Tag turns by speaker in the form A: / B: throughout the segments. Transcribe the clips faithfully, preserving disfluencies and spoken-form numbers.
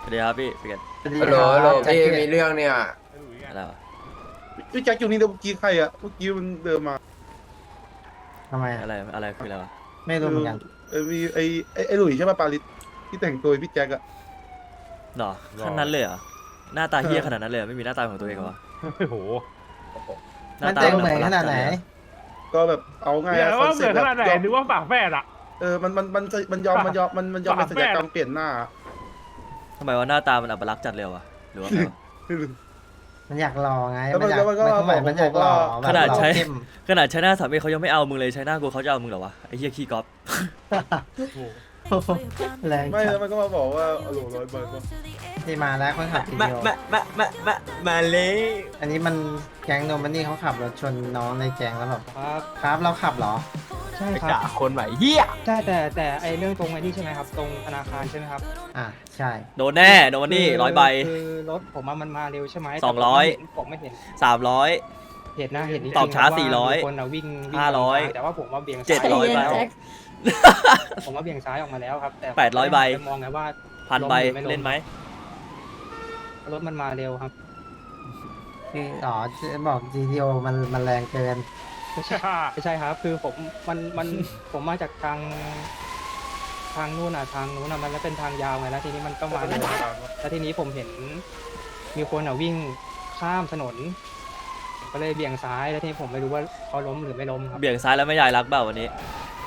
A: สวัสดีครับพี่พี่กัน
B: ฮัลโหลฮัลโหลพี่มีเรื่องเนี่ย
A: อะไรวะ
C: พี่แจ็คอยู่นี่เมื่อกี้ใครอะเมื่อกี้มันเดินมา
D: ทำไมอะ
A: อะไรอะไรคืออะไรวะ
D: ไม่รู้เหมือนกัน
C: เออมีไอไอไอหลุยใช่ป่ะปาลิสที่แต่งตัวเป็นพี่แจ็คอะ
A: หรอขนาดนั้นเลยเหรอหน้าตาเฮี้ยขนาดนั้นเลยเหรอไม่มีหน้าตาของตัวเองเหรอวะ
E: โอ้โห
A: หน้า
D: มัน
A: ตา
D: แต่งเหมือนขนาดไหน
C: ก็แบบเอาง่าย
E: เดี๋ย
C: อะ
E: วว่าเหมือนขนาดไหน
C: ยอม
E: นึกว่าฝากแฝดอ่ะ
C: เออมันมันมันมันยอมมันยอมมันมันยอมเป็นศัลยกรรมเปลี่ยนหน้า
A: ทำไมว่าหน้าตามันอัปลักษณ์จัดเลยวะหรือว่าไงวะ
D: มันอยากรอไง
C: แล้วมัน
D: อยาก
C: แล้วมันก็
D: มันมันอยากรอ
C: บอกว่า
D: แบบ
A: ขนาดใช้
D: รอเข้ม
A: ขนาดใช้หน้าสามีเขายังไม่เอามึงเลยใช้หน้ากูเขาจะเอามึงเหรอวะไอ้เหี้ยขี้ก๊อฟ
D: แรง
C: ไม่
D: จั
C: แล้
D: ด
C: วมันก็มาบอกว่าโอ้โหร้อยใบป่ะ
D: ที่มาแล้วคนขับที
B: มา
D: เดียว
B: มามามามามาเลย
D: อันนี้มันแก๊งโนมันนี่เขาขับรถชนน้องในแก๊งแล้วแบบ
F: ครับ
D: ครับเราขับเหรอ
F: ใช่
B: ไป
F: ครับ
B: ด่าคนใหม่เฮีย
F: ใช่แต่แต่ไอเรื่องตรงไอ้นี่ใช่ไหมครับ ตรงธนาคารใช่ไหมครับ
D: อ่ะใช่
A: โดนแน่โดนนี่
F: คื
A: ร้อยใบ
F: คือรถผมอะมันมาเร็วใช่ไหม
A: สองร้อย
F: แต่ผมไม่เห็น
A: สามร้อย
F: เห็นนะเห็นจริงๆ
A: ตอบช้า
F: ว่
A: สี่ร้อย
F: มีคนอะวิ่งวิ่ง
A: ห้าร้อย
F: แต่ว่าผมว่าเบี่ยง
A: เจ็ด
F: ซ้าย
A: ร้อยใบ
F: แล้วผมว่าเบี่ยงซ้ายออกมาแล้วครับ แต่
A: แปดร้อยใบ
F: ผมมองไงว่า
A: พันใบ
F: ล้มหรือไม่ล้ม
A: เล่นไหม
F: รถมันมาเร็วครับ
D: คืออ๋อจะบอก จี ที โอ มันมันแรงเกิน
F: ไม่ใช่ไม่ใช่ครับ คือผมมันมันผมมาจากทางทางนู่นอ่ะทางนู้นอ่ะมันเป็นทางยาวไงแล้วทีนี้มันก็มาเร็วแล้วทีนี้ผมเห็นมีคนอ่ะวิ่งข้ามถนนผมก็เลยเบี่ยงซ้ายแล้วทีนี้ผมไม่รู้ว่าเขาล้มหรือไม่ล้มครับ
A: เบี่ยงซ้ายแล้วไม่ยายรักเปล่าวันนี้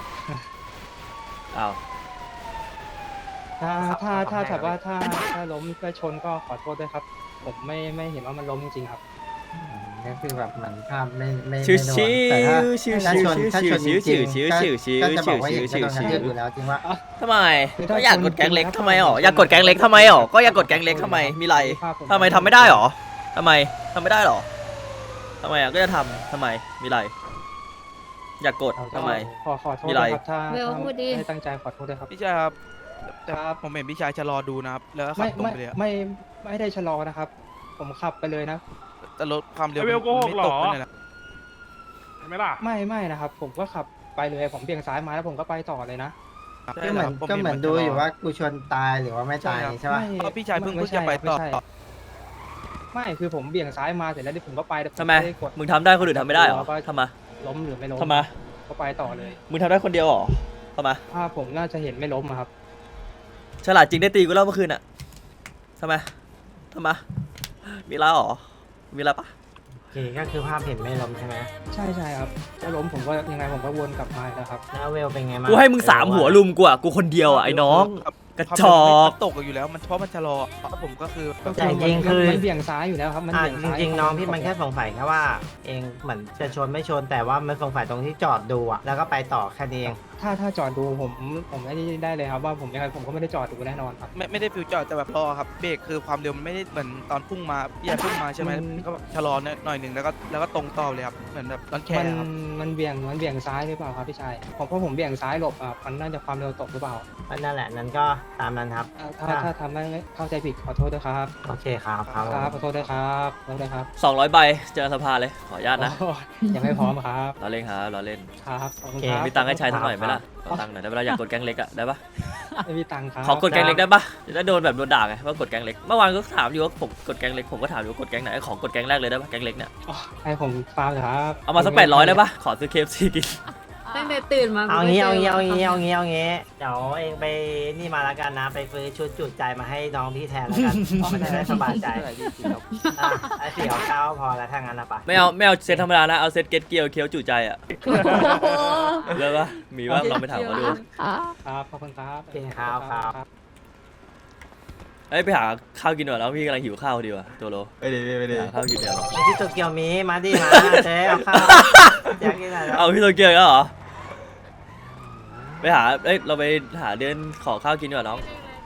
A: อ้าว
F: ถ้าถ้าถ้าแบบว่าถ้าถ้าล้มก็ชนก็ขอโทษด้วยครับ ผมไม่ไม่เห็นว่ามันล้มจริงๆครับ
D: ก็คือแบบเหมือนภาพไม่ไม่
A: ชิว
D: ไม่โดน
A: ชิ
D: แต่ถ้าว
A: ชิว
D: ถ้า
A: ชิว
D: ชน
A: ชิว
D: ถ้า
A: ชิ
D: ช
A: วน
D: จ
A: ชิว
D: ริง
A: ชิว
D: ๆ
A: ชิวชิว
D: ก็
A: ชิว
D: จะ
A: ชิ
D: บอ
A: ว
D: กว่า
A: ชิ
D: เห็
A: วน
D: ก็
A: ชิว
D: โดนกระ
A: ชิ
D: ทื
A: ว
D: บอยู่แล้วจริงว่า
A: ทำไม
F: คือถ้า
A: ก็อยาก
F: ชน
A: กดแก๊งเล็ก
F: จริงๆ
A: ทำไมอ๋อ
F: ครับ
A: อยากกดแก๊งเล็กทำไมอ๋อก็อยากกดแก๊งเล็กทำไมมีไร
F: ภาพผม
A: ทำไมทำไม่ได้หรอทำไมทำไม่ได้หรอทำไมอ่ะก็จะทำทำไมมีไรอยากกดทำไม
F: ขอขอโทษ
A: มีอะไร
F: นะครับถ้า
G: เวล
F: ถ้า
G: พูดดิ
F: ไม่ตั้งใจขอโทษด้วยครับ
H: พี่ชายครับแต่
F: ครับ
H: ผมเห็นพี่ชายชะลอดูนะครับ แล้วก็ขั
F: ไม่
H: บตรง
F: ไม่
H: ไปเลยอะ
F: ไม่ไม่ได้ชะลอนะครับ ผมขับไปเลยนะ
H: แต่รถความเร็ว
E: ไอ้เวลโกหก
H: ไม่
E: เหรอ
H: ตกเลยนะ
E: เห็นไหมล่ะ
F: ไม่ไม่นะครับ ผมก็ขับไปเลยผมเบี่ยงซ้ายมาแล้วผมก็ไปต่อเลยนะ
H: ใช่
D: ก็เหมือน
H: ครับ
D: ก็เหมือน
H: ผ
D: ดู
H: ชะล
D: อยู่ว่ากูชนตายหรือว่าไม่ตายใช่ปะ
F: ไม่
H: เพราะพี่ชายเพิ่ง
F: ไม่
H: เพิ่งจะไปต่อ
F: ม่ใช่ไม่คือผมเบี่ยงซ้ายมาเสร็จแล้วที่ผมก็ไปแต่ผ
A: ทำไม
F: ด้กด
A: มึงทำได้คนอื่นทำไม่ได้หรอ
F: แล้วก็
A: ทำไม
F: ล้มหรือไม่ล้ม
A: ทำไม
F: ก็ไปต่อเลย
A: มึงทำได้คนเดียวหรอทำไม
F: ถ้าผมน่าจะเห็นไม่ล้มอะครับ
A: ฉลาดจริงได้ตีกูแล้วเมื่อคืนอ่ะทำไมทำไมมีอะไรหรอมีอะไรปะ
D: โอเคก็คือภาพเห็นไม่ล้มใช่ไหม
F: ใช่ใช่ครับถ้าล้มผมก็ยังไงผมก็วนกลับมาแล้วครับ
D: แล้วเวลเป็นไงบ้าง
A: กูให้มึงสามหัวลุมกูอ่ะกูคนเดียวอ่ะไอ้น้อง
H: ครับ
A: กระ
H: ความ
A: จ
H: เร็ว
A: อ
H: ไม่
A: ก
H: ตกอยู่แล้วมันเพราะมันชะลอแล้วผมก็คือ
F: ก็
D: แต่
F: คือ
D: จริงๆคือ
F: มันเบี่ยงซ้ายอยู่แล้วครับมัน
D: อ่า
F: เบี่ยง
D: จ
F: ซ้าย
D: ริงๆน้องพี่มันแค่สงสัยแค่ว่า เองเหมือนจะชนไม่ชนแต่ว่ามันสงสัยตรงที่จอดดูอะแล้วก็ไปต่อแค่นี้เอง
F: ถ้าถ้าจอดดูผมผมไม่ได้ได้เลยครับว่าผมยังไงผมก็ไม่ได้จอดดูแน่นอนครับ
H: ไม่ไม่ได้ฟิวจอดแต่แบบรอครับเบรกคือความเร็วมันไม่ได้เหมือนตอนพุ่งมาพี่ชายพุ่งมาใช่ไหม
F: มัน
H: ก็ชะลอหน่อยหนึ่งแล้วก็แล้วก็ตรงต่อเลยครับเหมือนแบบตอนแค่
F: มัน
H: ครับ
F: มันเบี่ยงมันเบี่ยงซ้ายหรือเปล่าครับพี่ชายผมเพราะผมเบี่ยงซ้ายหลบอ่ะมันน่าจะความเร็วตกหรือเปล่า
D: ก็นั่นแหละนั้นก็ตามนั้นครับ
F: อ่าถ้าถ้าทำให้เข้าใจผิดขอโทษด้วยครับ
D: โอเคครับครับ
F: ครับขอโทษด้วยครับขอโทษด้วยครับ
A: สองร้อยใบเจอสภาเลยขออนุญาตนะ
F: โอ้ยยังไม่พร้อมครับ
A: เราเล่นครับเราเล่น
F: ครับขอบคุณ
D: โอเค
F: ครับ
A: มีตังค์ให้ใช้สักหน่อยไหมล่ะขอตังค์หน่อยได้เวลาอยากกดแก๊งเล็กอะได้ปะ
F: ไม่มีตังค์ครับ
A: ขอกดแก๊งเล็กได้ปะจะได้โดนแบบโดนด่าไงว่ากดแก๊งเล็กเมื่อวานก็ถามอยู่ว่าผมกดแก๊งเล็กผมก็ถามอยู่ว่ากดแก๊งไหนขอกดแก๊งแรกเลยได้ปะแก๊งเล็กเนี่ย
F: อ๋อให้ผมฟาร์มเหรอครับ
A: เอามาสักแปดร้อยได้ปะขอซื้อเคฟซีกิน
G: ตั้งแต่ตื่นมา
D: เอางี้เอางี้เอางี้เอางี้เอางี้เดี๋ยวเองไปนี่มาแล้วกันนะ ไปซื้อชุดจุดใจมาให้น้องพี่แทนแล้วกันมันจะได้สบายใจอ่ะไอ้สี่เอาเก้าพอแล้วถ้างั้นนะปะ
A: ไม่เอาไม่เอาเซตธรรมดานะเอาเซตเก็ตเกียวเคี้ยวจุใจอะเลิกปะมีว่าลองไปถามเขาดู
F: ครับขอบคุณครับ
D: โอเคครับครับ
A: เอ้ยไปหาข้าวกินหน่อยแล้วพี่กำลังหิวข้าวดีว่ะตัวโล
B: ไปดิไปดิ
A: หาข้าวกินเดี๋ยว
D: ที่โตเกียวมีมาดิมาเจ๊เอาข้าวอยากกินอะไร
A: เอาพี่โตเกียวอีกแล้วเหรอไปหาเอ้ยเราไปหาเดินขอข้าวกินดีกว่าน้อง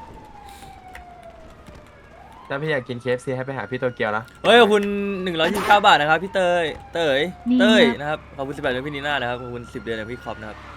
B: ถ้าพี่อยากกิน เค เอฟ ซี ให้ไปหาพี่โตเกียวนะ
A: เฮ้ยขอบคุณหนึ่งร้อยยี่สิบเก้าบาทนะครับพี่เตยเตยเตยนะครับขอบคุณสิบแปดเดือนพี่นีน่านะครับขอบคุณสิบเดือนจากพี่คอปนะครับ